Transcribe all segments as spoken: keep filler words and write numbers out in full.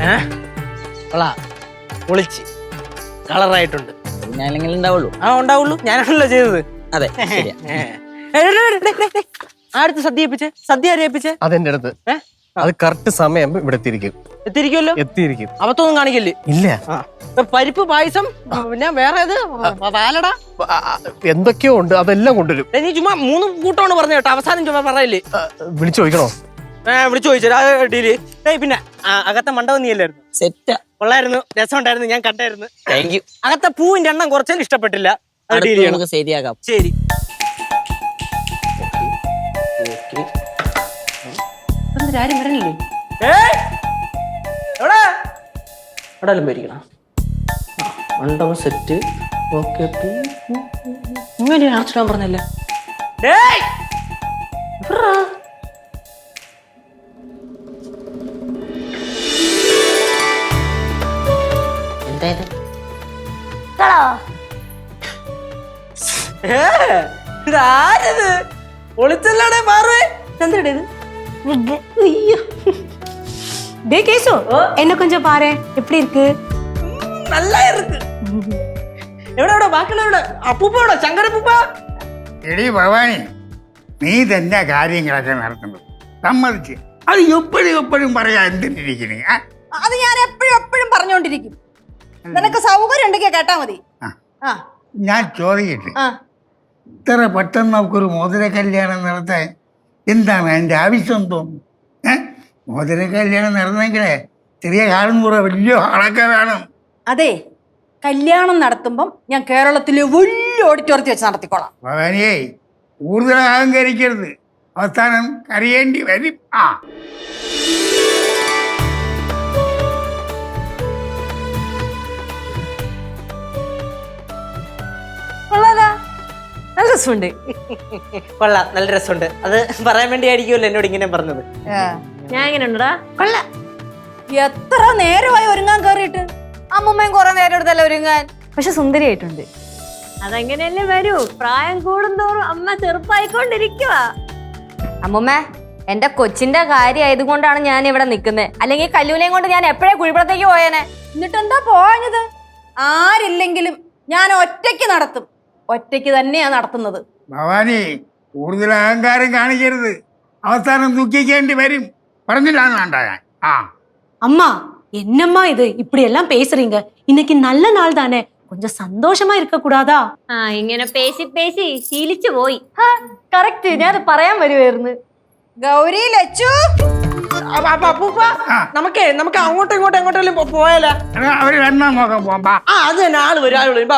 പൊളിച്ച് കളറായിട്ടുണ്ട്. ഞാനെങ്കിലും ഉണ്ടാവുള്ളൂ. ആ ഉണ്ടാവുള്ളൂ, ഞാനാണല്ലോ ചെയ്തത്. അതെ. ആടുത്ത് സദ്യ ഏൽപ്പിച്ചേ, സദ്യ ആരെ ഏൽപ്പിച്ചേ? അതെന്റെ അടുത്ത്. അത് കറക്റ്റ് സമയം ഇവിടെ എത്തിയിരിക്കും. എത്തിയിരിക്കുമല്ലോ. എത്തിയിരിക്കും. അവത്തൊന്നും കാണിക്കല്ലേ? ഇല്ല. പരിപ്പ് പായസം, പിന്നെ വേറെ ഏത് പാലട എന്തൊക്കെയോ ഉണ്ട്, അതെല്ലാം കൊണ്ടുവരും. നീ ചുമ്മാ മൂന്ന് കൂട്ടമാണ് പറഞ്ഞു കേട്ടോ, അവസാനം ചുമ്മാ പറയില്ലേ? വിളിച്ചു ചോദിക്കണോ? വിളിച്ചു ചോദിച്ചാ ഡീല്. പിന്നെ അകത്തെ മണ്ഡപം നീ അല്ലായിരുന്നു? സെറ്റാ. കൊള്ളായിരുന്നു, രസം ഉണ്ടായിരുന്നു, ഞാൻ കണ്ടായിരുന്നു. Thank you. അകത്തെ പൂവിന്റെ എണ്ണം കുറച്ചും ഇഷ്ടപ്പെട്ടില്ല. നമുക്ക് ശരിയാക്കാം. ശരി. ആരും വരണില്ലേ? എവിടെയാലും പേരിക്കണം. മണ്ഡപം സെറ്റ്. ഓക്കെ. ഇങ്ങനെ ആർച്ചിടാൻ പറഞ്ഞല്ലേ? എന്തായത്? ഇതാരത്? ഒളിച്ചല്ലാടെ മാറുവേ. എന്തേടേ ഇത്? டே கேசு, என்ன கொஞ்சம் பாரு, எப்படி இருக்கு? நல்லா இருக்கு. എവിടെ എവിടെ ബാക്കിയുള്ള അപ്പൂപ്പ എവിടെ? ശങ്കരപ്പൂപ്പ. എടി ഭവാനി, നീ തന്നെ കാര്യങ്ങളൊക്കെ നടത്തുന്നത് സമ്മതിച്ച്. അത് എപ്പോഴും എപ്പോഴും പറയാ എന്തിനിരിക്കണേ? അത് ഞാൻ എപ്പോഴും എപ്പോഴും പറഞ്ഞോണ്ടിരിക്കും. നിനക്ക് സൗകര്യം ഉണ്ടെങ്കിൽ കേട്ടാ മതി. ഞാൻ ചോദിക്കട്ടെ, ഇത്ര പെട്ടെന്ന് നമുക്കൊരു മോതിര കല്യാണം നടത്താൻ എന്താണ് അതിൻ്റെ ആവശ്യം തോന്നുന്നു? ഏഹ് മോതിര കല്യാണം നടന്നെങ്കിലേ ചെറിയ കാലം കൂടെ വലിയ ആളൊക്കെ വേണം. അതെ, കല്യാണം നടത്തുമ്പം ഞാൻ കേരളത്തിലെ വലിയ ഓഡിറ്റോറിയത്തിൽ വെച്ച് നടത്തിക്കോളാം. ഭവാനിയെ കൂടുതൽ അഹങ്കരിക്കരുത്, അവസാനം കരയേണ്ടി വരും. ആ നല്ല രസമുണ്ട്. കൊള്ളാം, നല്ല രസമുണ്ട്. അത് പറയാൻ വേണ്ടി ആയിരിക്കുമല്ലോ എന്നോട് ഇങ്ങനെ പറഞ്ഞത്. ഞാൻ എങ്ങനെ ഉണ്ടാ? കൊള്ളാം. എത്ര നേരമായി ഒരുങ്ങാൻ കയറിയിട്ട്? അമ്മമ്മയും കുറെ നേരം എടുത്തല്ല ഒരുങ്ങാൻ. പക്ഷെ സുന്ദരിയായിട്ടുണ്ട്. അതെങ്ങനെയല്ലേ വരൂ, പ്രായം കൂടുന്തോറും അമ്മ ചെറുപ്പായിക്കൊണ്ടിരിക്കുക. അമ്മുമ്മ, എന്റെ കൊച്ചിന്റെ കാര്യം ആയതുകൊണ്ടാണ് ഞാൻ ഇവിടെ നിൽക്കുന്നത്. അല്ലെങ്കിൽ കല്ലൂനെയും കൊണ്ട് ഞാൻ എപ്പോഴേ കുഴിപ്പുറത്തേക്ക് പോയേനെ. എന്നിട്ട് എന്താ പോയത്? ആരില്ലെങ്കിലും ഞാൻ ഒറ്റയ്ക്ക് നടത്തും. ഒറ്റയ്ക്ക് തന്നെയാ നടത്തുന്നത്. ഭവാനി, കൂടുതൽ അഹങ്കാരം കാണിക്കരുത്, അവസാനം ദുഃഖിക്കേണ്ടി വരും. പറഞ്ഞില്ലാന്ന് വേണ്ട ഞാൻ. ആ அம்மா, என்னம்மா இது இப்படி எல்லாம் பேசுறீங்க? இன்னைக்கு நல்ல நாள் தானே, கொஞ்சம் சந்தோஷமா இருக்க கூடாதா? ആ ഇങ്ങനെ പേശി പേശി ശീലിച്ചു പോയി. കറക്റ്റ്, ഞാൻ അത് പറയാൻ വരുമായിരുന്നു. ഗൗരി, ലച്ചു, അപ്പൂപ്പ, നമുക്കേ നമുക്ക് അങ്ങോട്ടും ഇങ്ങോട്ടും എങ്ങോട്ടെങ്കിലും പോയാലോ? അവര് രണ്ടാം നോക്കാൻ പോവാ. ആ അത് തന്നെ, ആള് വരും ആള് വരും.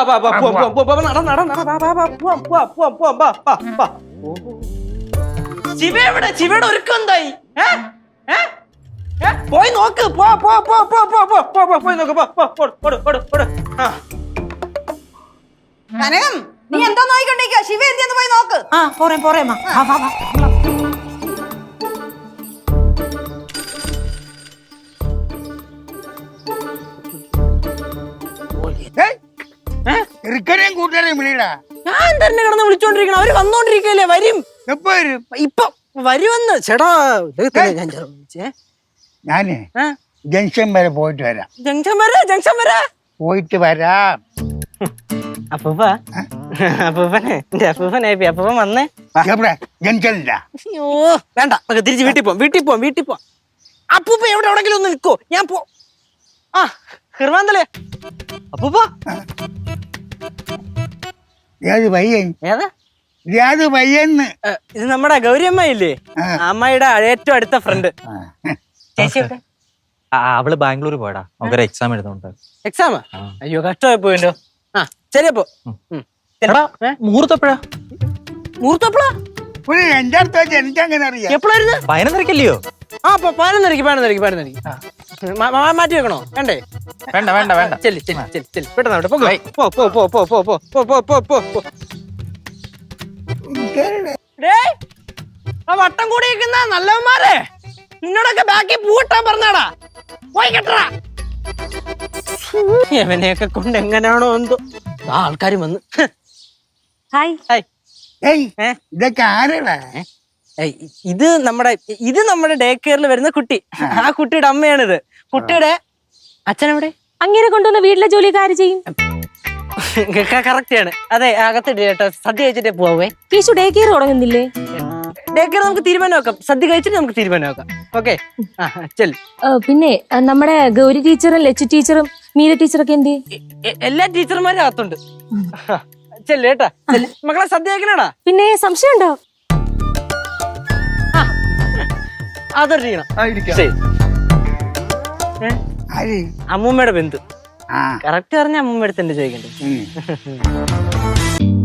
ശിവ എവിടെ? ശിവയുടെ ഒരുക്കം എന്തായി? പോയി നോക്ക്. പോ പോ പോ പോ പോ പോ പോ പോ പോയി നോക്ക്. കനകം, നീ എന്താ നോക്കിക്കൊണ്ടിരിക്കുക? ശിവ എന്തിയെന്ന് പോയി നോക്ക്. ആ പോറേ പോറേമ്മ. ചെറുക്കനെയും കൂട്ടുകാരെയും വിളിയടാ. ഞാൻ തന്നെ കിടന്ന് വിളിച്ചോണ്ടിരിക്കണം. അവര് വന്നോണ്ടിരിക്കല്ലേ? വരും. എപ്പോ വരും? ഇപ്പൊ വരുമെന്ന്. ചേട്ടാ, ഞാൻ ഞാനേ ജംഗ്ഷൻ വരെ പോയിട്ട് വരാം. ജംഗ്ഷൻ വരെ? ജംഗ്ഷൻ വരെ പോയിട്ട് വരാം. അപ്പൂപ്പ, അപ്പൂപ്പനെ എന്റെ അപ്പൂപ്പനെ അപ്പൂപ്പൻ വന്നേ. എവിടെ? ജംഗ്ഷനില്ല. അയ്യോ വേണ്ട, നമുക്ക് തിരിച്ച് വീട്ടിൽ പോവാം. വീട്ടിൽ പോവാം വീട്ടിൽ പോവാം അപ്പൂപ്പ എവിടെ എവിടെങ്കിലും ഒന്ന് നിൽക്കോ? ഞാൻ പോ. ആ ഹെർവാന്തലേ അപ്പൂപ്പ. ഏത് പയ്യൻ? ഏതാ ഏത് പയ്യന്ന്? ഇത് നമ്മുടെ ഗൗരി അമ്മായില്ലേ, അമ്മായിയുടെ ഏറ്റവും അടുത്ത ഫ്രണ്ട്. ചേച്ചി എവിടെ? അവള് ബാംഗ്ലൂർ പോയടാ, നമുക്കൊരു എക്സാം എഴുതുന്നുണ്ട്. എക്സാമാ? അയ്യോ കഷ്ടമായി പോയിട്ടോ. ആ ശരി അപ്പൊ മുഹൂർത്തപ്പോഴാ? മുഹൂർത്തപ്പോഴാ? എന്റെ അടുത്ത് വെച്ച് എനിക്കങ്ങനെ അറിയാം. എപ്പോഴായിരുന്നു? പതിനൊന്നരക്കല്ലയോ? ആ പതിനൊന്നരക്ക് പതിനൊന്നരക്ക് പതിനൊന്നരക്ക് മാറ്റി വെക്കണോ? വേണ്ടേ? വേണ്ട വേണ്ട വേണ്ട. ചെല്ലി ചെല്ലി ചെല്ലി ചെല്ലി പെട്ടെന്ന് പോ പോ പോ പോ പോ പോ പോ പോ പോ പോ. വട്ടം കൂടിയിരിക്കുന്ന നല്ലവന്മാരെ, നിന്നോടൊക്കെ ബാക്കി പൂട്ടാൻ പറഞ്ഞാടാ. പോയി കെട്ടറാ. എവനെയൊക്കെ കൊണ്ട് എങ്ങനെയാണോ എന്തോ ആൾക്കാരും വന്ന്. Hi hi. ഇതൊക്കെ ആരാടാ? ഇത് നമ്മുടെ ഇത് നമ്മുടെ ഡേ കെയറിൽ വരുന്ന കുട്ടി. ആ കുട്ടിയുടെ അമ്മയാണിത്. കുട്ടിയുടെ അച്ഛനെവിടെ? അങ്ങനെ കൊണ്ടുവന്ന വീട്ടിലെ ജോലിയൊക്കെ ആര് ചെയ്യും? കറക്റ്റ് ആണ്. അതെ, അകത്തിട്ട് കേട്ടോ, സദ്യ കഴിച്ചിട്ടേ പോവേ. കേശു ഡേ കെയർ തുടങ്ങുന്നില്ലേ? ഡേ കെയർ നമുക്ക് തീരുമാനമാക്കാം. സദ്യ കഴിച്ചിട്ട് നമുക്ക് തീരുമാനമാക്കാം. ഓക്കെ, ചെൽ. പിന്നെ ആ, നമ്മുടെ ഗൗരി ടീച്ചറും ലച്ചു ടീച്ചറും മീര ടീച്ചറൊക്കെ എന്ത്? എ- എല്ലാ ടീച്ചർമാരും അകത്തുണ്ട്. ചെല്ല് കേട്ടാ. ചെല്ല്. മക്കളെ സദ്യ കഴിക്കണടാ. പിന്നെ സംശയം ഉണ്ടോ? അതൊരിക്കണം. ശരി. ഏ? ആര്? അമ്മൂമ്മയുടെ ബന്ധു. ആ കറക്റ്റ് പറഞ്ഞ അമ്മൂമ്മ അടുത്ത് തന്നെ ചോദിക്കണ്ടേ. ഉം.